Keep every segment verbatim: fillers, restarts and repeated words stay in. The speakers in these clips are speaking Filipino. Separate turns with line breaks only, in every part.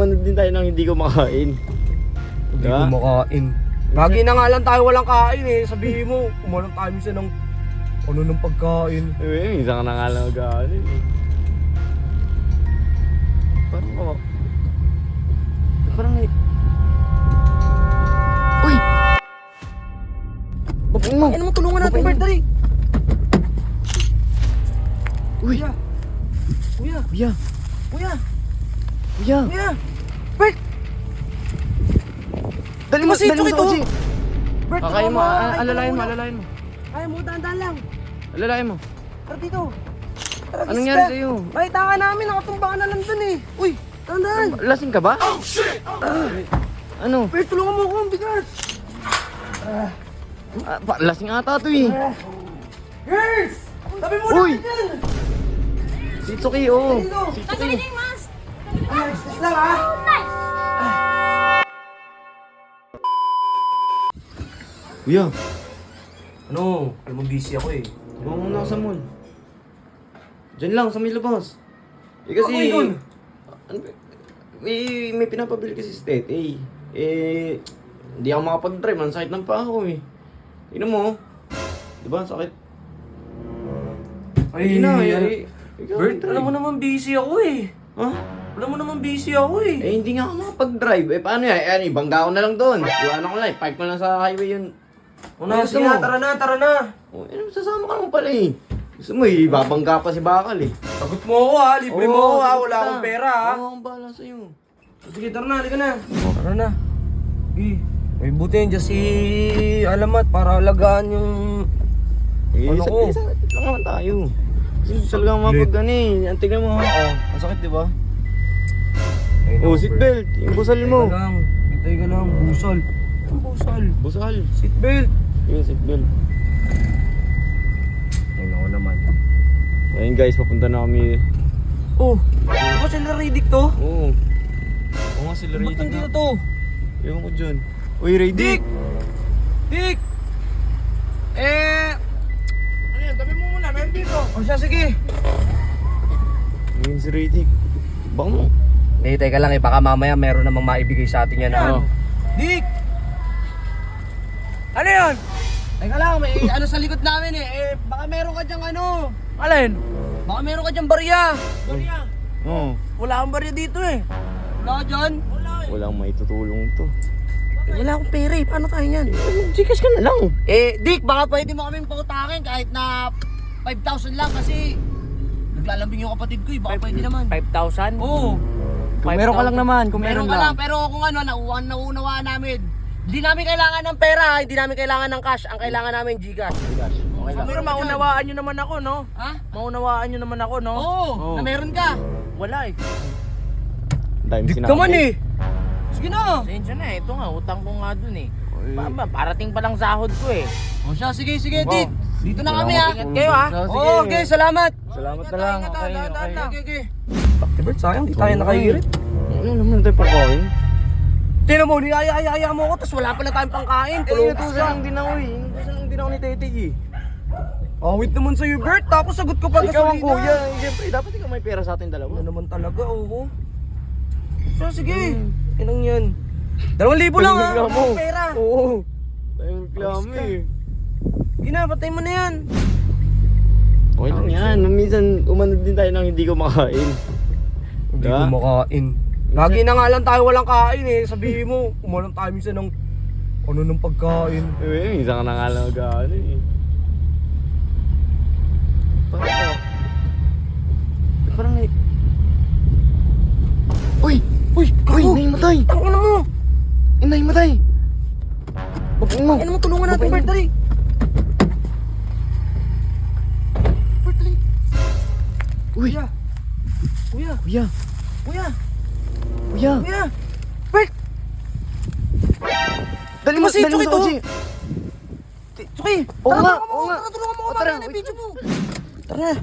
umano din tayo nang hindi kumakain.
Hindi
Diba?
kumakain. Lagi na nga lang tayo walang kain eh. Sabihin mo, umalang tayo minsan ng ano ng pagkain.
Eh, minsan ka na nga lang mag-aanin eh. Parang ako. Parang eh. Uy! Babain mo!
Ano mo, tulungan natin,
Babain
Bert,
mo.
dali!
Uy!
Kuya! Kuya!
Kuya!
Kuya!
Kuya!
Kuya! Bert!
Dali mo!
Masito
Dali mo sa
ito.
kotse!
Bert,
Kakain mo!
tulungan
ah,
Ay,
Alalayan mo!
tulungan
Alalayan mo!
Ay mo, dahan-dahan lang.
Alalayan mo!
Tara dito. Tara,
Anong
gis
nangyari
ka.
sa'yo?
Makita ka namin, nakatumba ka na lang dun eh. Uy, dahan-dahan.
Lasing ka ba? Oh shit! Ano?
Bert, tulungan mo ako, ang bigat.
Ah, pa- lasing ata to eh!
Girls! Tabi mo
Uy!
na dyan.
Si Tsuki oh!
Dito.
Si
Tanggalin
Tsuki!
niyo yung mask!
Ay, excuse lang ha.
Kuya!
Ano? Alam mo, busy ako eh.
Huwag muna ako sa mall. Diyan lang, sa may labas. Eh kasi...
Ako yun.
Ano ba? May, may pinapabili kasi sa Tete eh. Eh... Hindi ako makapag-drive, ang sakit ng paa ko eh. Tingnan mo. Diba, ang sakit.
Ay,
na,
ano?
eh. Ikaw,
Bert,
drive.
alam mo naman busy ako eh.
Ha?
Alam mo naman busy ako eh.
Eh, hindi nga ako makapag-drive. Eh, paano yan? Eh, ano, ibangga ko na lang doon. Iwanan ko lang, eh. Park ko lang sa highway yun.
O na,
Gusto
sige
mo?
na, tara na, tara na.
Oh, eh, sasama ka naman pala eh. Gusto mo, eh, babangga pa si Bakal eh.
Sagot mo ako ha, libre mo ako ha, wala akong pera ha.
Oo, akong bahala sa'yo.
Sige, tara na, halika na. Tara na. Eh, may buti yun dyan si Alamat para alagaan yung...
Eh,
Ano
sa,
ko?
eh, sakit lang naman tayo. Kasi talagang mapag ano eh. Ang tignan mo ha. Oh, ang sakit diba? Oh, seatbelt. Yung busal
Hintay
mo.
ka lang, hintay ka lang, busal. Ang busal.
Busal.
Seatbelt.
Yung seatbelt.
Ayun ako naman.
Ayun guys, papunta na kami.
Oh, di ba sila Riddick to?
Oo. Oo nga sila
Ba't
Radic
nandito
na.
to?
Ewan ko dyan. Uy, Radic!
Dick! Dick! Eh... Ano yan? Tabi mo muna, meron dito. O siya, sige.
Ayun si Radic. Baka mo.
Hindi, teka lang eh. Baka mamaya meron namang maibigay sa atin yan.
Ano?
Dick! Ano yan? Teka lang, may ano sa likod namin eh. Eh, baka meron ka dyang ano. Alin? Baka meron ka dyang barya. Barya?
Oo.
Wala akong barya dito eh. Wala ka dyan? Wala eh.
Walang may tutulong to.
Wala akong pera eh. Paano tayo yan?
Gcash ka na lang.
Eh, Dick, baka pwede mo kaming pautakin kahit na five thousand lang kasi naglalambing yung kapatid ko eh. Baka pwede naman.
five thousand?
Oo.
Kung meron ka lang naman, kung
Meron
meron,
ka lang,
lang.
pero kung ano, nauunawa, nauunawaan namin. Hindi namin kailangan ng pera, hindi namin kailangan ng cash. Ang kailangan namin Gcash.
Gcash. Okay lang.
Pero maunawaan nyo naman ako, no?
Ha?
Maunawaan nyo naman ako, no?
Oo,
Oo.
na meron ka.
Wala eh.
Dahil
Dick
sinabi.
naman eh. Sige na.
Pasensya na eh. Ito nga, utang ko nga dun eh.
Oy.
Pa, ba, parating pa lang sahod ko eh.
O siya, sige, sige,
Wow.
Dick. Dito na kami ha.
Ingat kayo, ha?
Sige.
Oo, okay, salamat.
Salamat na lang.
Ingat,
Okay,
ingat,
okay.
ingat.
Okay, okay. Bert, sayang, di tayo nakahirit.
Ano naman tayo pagkain?
Tingnan mo, niyaya-yaya mo ako, tapos wala pala tayong pangkain.
Eh,
Tulungan
inutusan lang din ako eh. Inutusan lang din ako ni Tete eh.
Awit naman sa'yo, Bert. Tapos sagot ko pa
Ikaw ang
gasolina.
kuya. Eh, Siyempre, dapat ikaw may pera sa ating dalawa.
Ano naman talaga, oo. So, sige. Inang yan. Dalawang libo lang ha.
Tayong reklamo.
Ang pera.
Oo. Tayong reklamo
Ayos ka.
eh.
Gina, patay mo na yan.
Okay lang yan. Minsan, umano din tayo nang hindi kumakain.
Hindi
Diba?
ko makain. Lagi na nga lang tayo walang kain eh. Sabihin mo, umalang tayo minsan ng ano ng pagkain.
Eh, minsan ka na nga lang mag-ano eh. Parang ako. Eh, Parang na... Uy!
Uy,
Uy!
gago!
Naimatay!
Ang ina mo!
Eh, naimatay! Babain mo!
Ano mo, tulungan natin,
Babain
Bert,
mo.
dali! Bert, dali!
Uy!
Kuya! Kuya!
Kuya!
Kuya!
Kuya!
Kuya! Bert!
Dali mo!
Kasi
Dali mo
ito,
sa kotse!
Tsuki!
Oo
Tara,
nga,
tulungan mo
oo
ako,
nga.
tara, tulungan mo ako,
O, tara,
mamaya na
wait.
video mo! Tara na!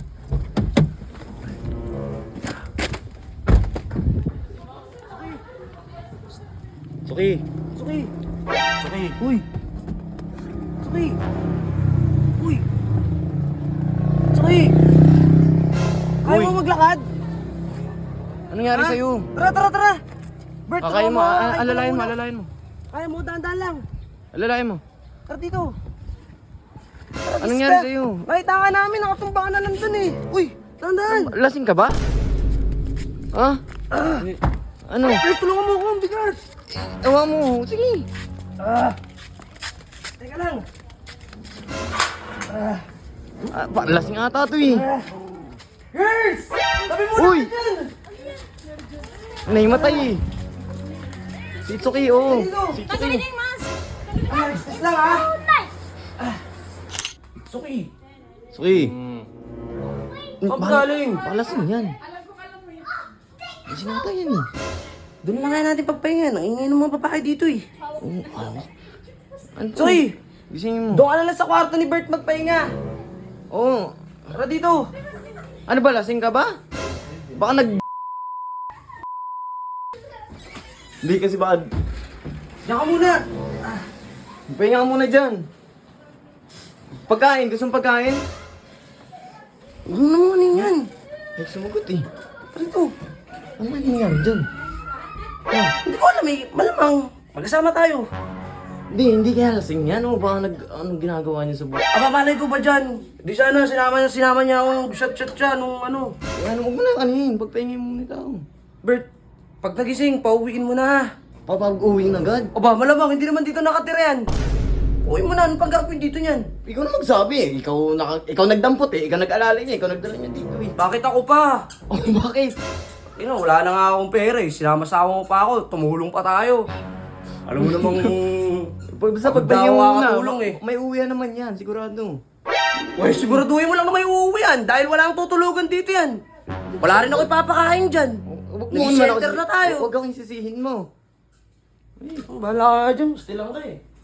Suki!
Tsuki!
Suki! Uy!
Tsuki! Uy! Tsuki! Kaya
Uy.
mo maglakad?
Anong nangyari
Ha?
sa'yo?
Tara, tara, tara! Bert,
Kakain mo,
tulungan
a-
Kakain
alalayan mo,
muna.
alalayan mo.
Kaya mo, dahan-dahan lang.
Alalayan mo.
Tara dito. Tara,
Anong
Iska.
nangyari sa'yo?
Nakita ka namin, nakatumba ka na lang dun eh. Uy, dahan-dahan.
Lasing ka ba? Ha? Ano?
Bert, tulungan mo ako, ang bigat.
Ewa mo, sige.
Ah. Teka lang.
Ah, pa, lasing ata to eh.
Girls! Sabi mo
Uy!
na dyan!
Naimatay eh. Si Itsuki, oo. Si Itsuki.
Tanggalin niyo yung mask!
Ah, excuse lang ha. Suki.
Suki.
Saan ka galing?
Palasing yan. Lasing ata yan eh.
Doon lang kaya natin pagpahinga. Nangingay ng mga babae dito eh.
Oo, ano? Ano?
Suki!
Gisingin mo.
Doon ka na lang sa kwarto ni Bert magpahinga.
Oo.
Tara dito.
Ano ba, lasing ka ba? Baka nag... Hindi kasi baka...
Diyan ka muna.
Pahinga ka muna dyan. Pagkain, gusto mong pagkain?
Ano naman yan?
Ay, sumagot eh.
Tara dito.
Ano ba nangyari dyan?
Ah, hindi ko alam eh. Malamang. Magkasama tayo.
Hindi, hindi kaya lasing yan. O baka nag... Anong ginagawa niya sa buhay?
Aba, malay ko ba dyan? Di sana, sinama niya, sinama niya akong shot-shot siya nung ano.
Eh, ano, huwag mo na kanin. Pagpahingin mo muna tao.
Bert, pag nagising, pauwiin mo na ha.
Papag-uwi na agad.
Aba, malamang, hindi naman dito nakatira yan. Uwi mo na, anong pagkakapin dito niyan?
Ikaw na magsabi eh. Ikaw, naka, ikaw nagdampot eh. Ikaw nag-alala niya. Ikaw nagdala niya dito eh.
Bakit ako pa?
Oh, bakit?
You know, wala na nga akong pera eh. Sinama-sama mo pa ako, tumulong pa tayo. Alam mo namang...
Basta
Pag
pagpahingin mo
dawa ka
muna.
tulong eh.
May uwi naman yan, sigurado.
Uy, siguraduhin mo lang na may uuwi yan dahil wala akong tutulugan dito yan. Wala rin ako ipapakain dyan.
Huwag mo
Nag-shelter
naman ako-
na tayo.
Huwag akong sisihin mo.
Bahala ka dyan, gusto lang ka eh.